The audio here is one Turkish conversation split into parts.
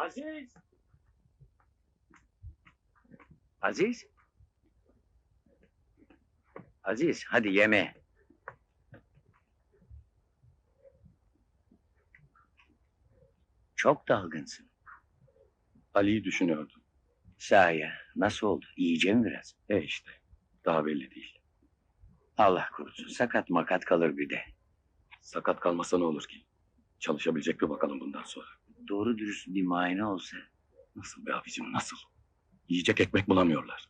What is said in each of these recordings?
Aziz! Aziz? Aziz, hadi yeme. Çok dalgınsın. Ali'yi düşünüyordum. Sahi, nasıl oldu? İyice mi biraz? İşte, daha belli değil. Allah korusun, sakat makat kalır bir de. Sakat kalmasa ne olur ki? Çalışabilecek bir bakalım bundan sonra. Doğru dürüst bir muayene olsa. Nasıl be abicim, nasıl? Yiyecek ekmek bulamıyorlar.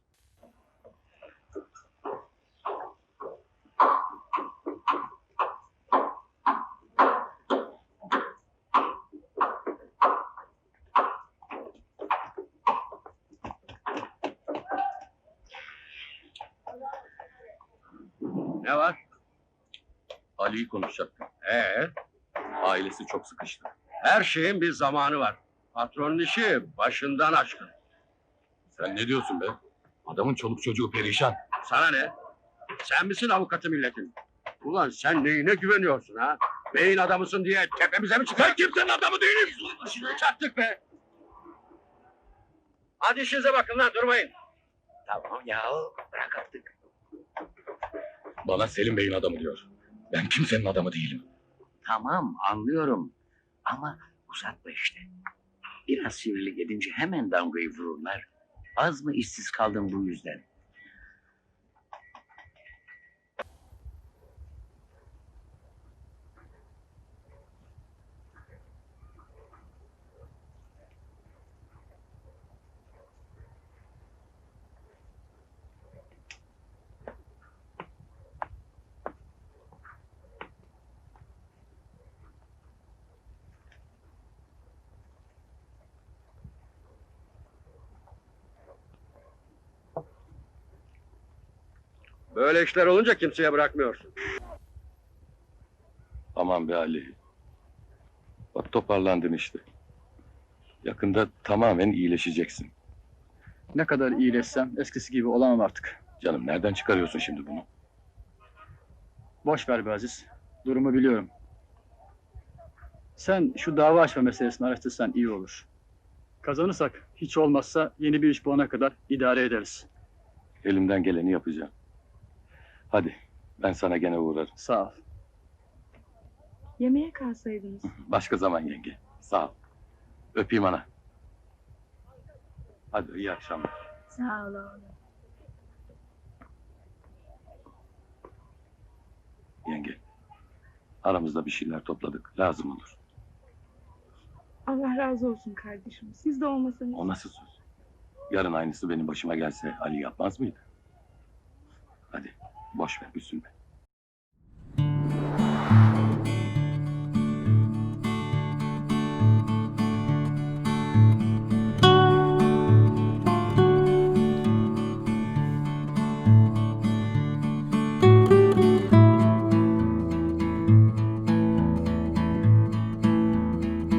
Ne var? Ali'yi konuşacaktım. Ailesi çok sıkıştı. Her şeyin bir zamanı var. Patronun işi başından aşkın. Sen ne diyorsun be? Adamın çoluk çocuğu perişan. Sana ne? Sen misin avukatı milletin? Ulan sen neyine güveniyorsun ha? Beyin adamısın diye tepemize mi çıkar? Ben kimsenin adamı değilim. Şimdi çattık be! Hadi işinize bakın lan, durmayın. Tamam ya, bırak artık. Bana Selim Bey'in adamı diyor. Ben kimsenin adamı değilim. Tamam, anlıyorum. Ama uzatma işte. Biraz sivrilik edince hemen damgayı vururlar. Az mı işsiz kaldın bu yüzden? Böyle işler olunca kimseye bırakmıyorsun. Aman be Ali. Bak toparlandın işte. Yakında tamamen iyileşeceksin. Ne kadar iyileşsem eskisi gibi olamam artık. Canım nereden çıkarıyorsun şimdi bunu? Boş ver be Aziz. Durumu biliyorum. Sen şu dava açma meselesini araştırsan iyi olur. Kazanırsak hiç olmazsa yeni bir iş bulana kadar idare ederiz. Elimden geleni yapacağım. Hadi ben sana gene uğrarım. Sağ ol. Yemeğe kalsaydınız. Başka zaman yenge. Sağ ol. Öpeyim ana. Hadi iyi akşamlar. Sağ ol oğlum. Yenge. Aramızda bir şeyler topladık. Lazım olur. Allah razı olsun kardeşim. Siz de olmasanız. O nasıl söz? Yarın aynısı benim başıma gelse Ali yapmaz mıydı? Hadi boş ver üzülme.